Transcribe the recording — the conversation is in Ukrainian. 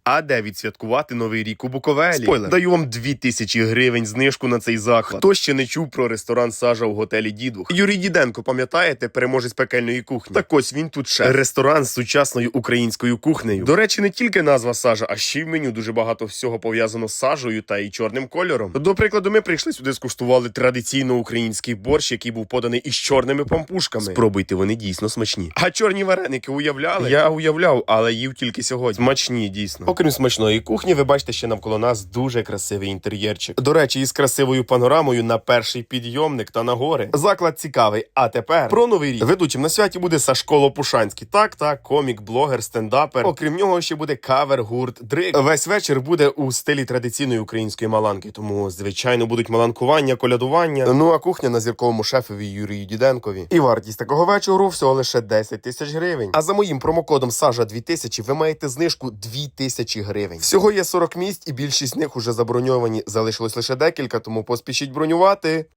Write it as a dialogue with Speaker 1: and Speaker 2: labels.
Speaker 1: А де відсвяткувати Новий рік у Буковелі? Спойлер, даю вам 2000 гривень знижку на цей заклад. Хто ще не чув про ресторан «Сажа» у готелі Дідух? Юрій Діденко, пам'ятаєте, переможець пекельної кухні? Так ось він тут шеф. Ресторан з сучасною українською кухнею. До речі, не тільки назва «Сажа», а ще й в меню дуже багато всього пов'язано з сажею та і чорним кольором. До прикладу, ми прийшли сюди, скуштували традиційно український борщ, який був поданий із чорними пампушками. Спробуйте, вони дійсно смачні. А чорні вареники уявляли? Я уявляв, але їв тільки сьогодні. Смачні, дійсно. Окрім смачної кухні, ви бачите ще навколо нас дуже красивий інтер'єрчик. До речі, із красивою панорамою на перший підйомник та на гори. Заклад цікавий. А тепер про Новий рік. Ведучим на святі буде Сашко Лопушанський. Так, комік, блогер, стендапер. Окрім нього ще буде кавер-гурт Дрик. Весь вечір буде у стилі традиційної української маланки. Тому, звичайно, будуть маланкування, колядування. Ну а кухня на зірковому шефові Юрію Діденкові. І вартість такого вечору всього лише 10 тисяч гривень. А за моїм промокодом Сажа 2000 ви маєте знижку 2000 гривень. Всього є 40 місць і більшість з них уже заброньовані. Залишилось лише декілька, тому поспішіть бронювати.